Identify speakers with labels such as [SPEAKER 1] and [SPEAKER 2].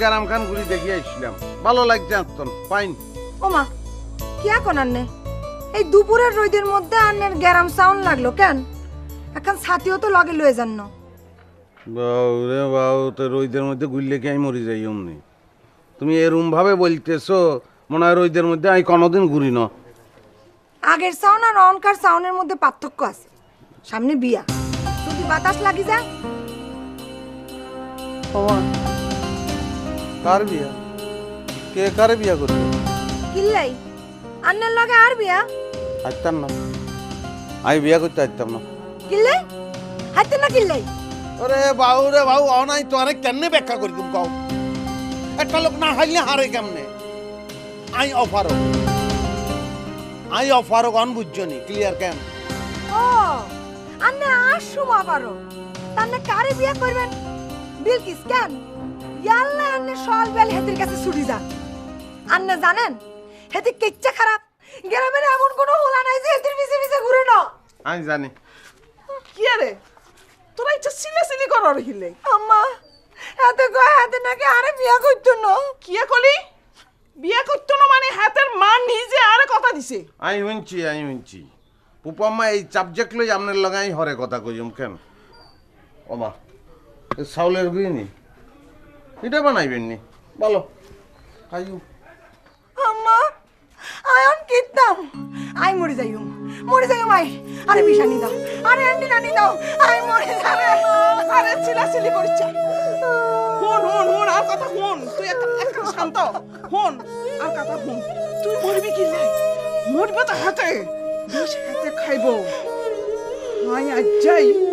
[SPEAKER 1] গ্রাম খান ঘুরি দেখি আসছিলাম, ভালো লাগছে আত্মন ফাইন।
[SPEAKER 2] ওমা কি এখন আন্নে এই দুপুরের রোদের মধ্যে আন্নের গ্যারাম সাউন্ড লাগলো কেন? এখন ছাতিও তো লগে লয়ে যান না।
[SPEAKER 1] বাউ রে বাউ, তো রোদের মধ্যে ঘুরলে কি আমি মরি যাই অমনি? তুমি এরম ভাবে বলতেছো মনে হয় রোদের মধ্যে আমি কোনোদিন ঘুরি না।
[SPEAKER 2] আগের সাউন্ড আর অনকার সাউন্ডের মধ্যে পার্থক্য আছে। সামনে বিয়া, যদি বাতাস লাগি যায়।
[SPEAKER 1] কার বিয়া? কে কারে বিয়া করবে?
[SPEAKER 2] কিল্লাই আন্নের লগে আর বিয়া?
[SPEAKER 1] আসতাম না, আমি বিয়া করতে আসতাম না।
[SPEAKER 2] কিল্লাই হাইতে না কিল্লাই?
[SPEAKER 1] ওরে বাউ রে বাউ, অনাই তো আরে কেমনে ব্যাখ্যা করি তুমি কও? একটা লোক না হাইলে হারে কেমনে? আই অফারক অন বুঝছনি ক্লিয়ার কেন?
[SPEAKER 2] ও আন্নে আর সুমা পারো তান্নে কারে বিয়া করবেন? বিলকিস কেন? ইয়াল্লা আন্নে সল বেল হেতির কাছে ছুটি যান। আন্নে জানেন হেতি কিচ্ছা খারাপ, গ্রামের এমন কোনো হোলা নাই যে হেতির পিছে পিছে ঘুরে না।
[SPEAKER 1] আমি জানি।
[SPEAKER 3] কি রে তোরা ইচ্ছা সিলে করার হিলে?
[SPEAKER 2] আম্মা হাতে কয় হাতে নাকি আরে বিয়া করতো না।
[SPEAKER 3] কি কলি? বিয়া করতো না মানে হাতের মান নিজে আরে কথা দিছে।
[SPEAKER 1] আমি শুনছি পুপাম্মা এই সাবজেক্ট লই আপনার লাগাই হরে কথা কইম কেন? ওমা চাউলের গুইনি এটা বানাইবেন নি বলো খাইও।
[SPEAKER 2] আম্মা আয়ন কিতাম আই মরে যাইম আই। আরে বিশানি দাও, আরে আন্টি নানি দাও, আই মরে যাবে।
[SPEAKER 3] আরে চিলাচিলি করিস। হুন আর কথা হুন, তুই একটা শান্ত হুন আর কথা হুন। তুই মরবি কি লাই? মরবে তো হাতে, বিষ হাতে খাইব। হাই আজ যাই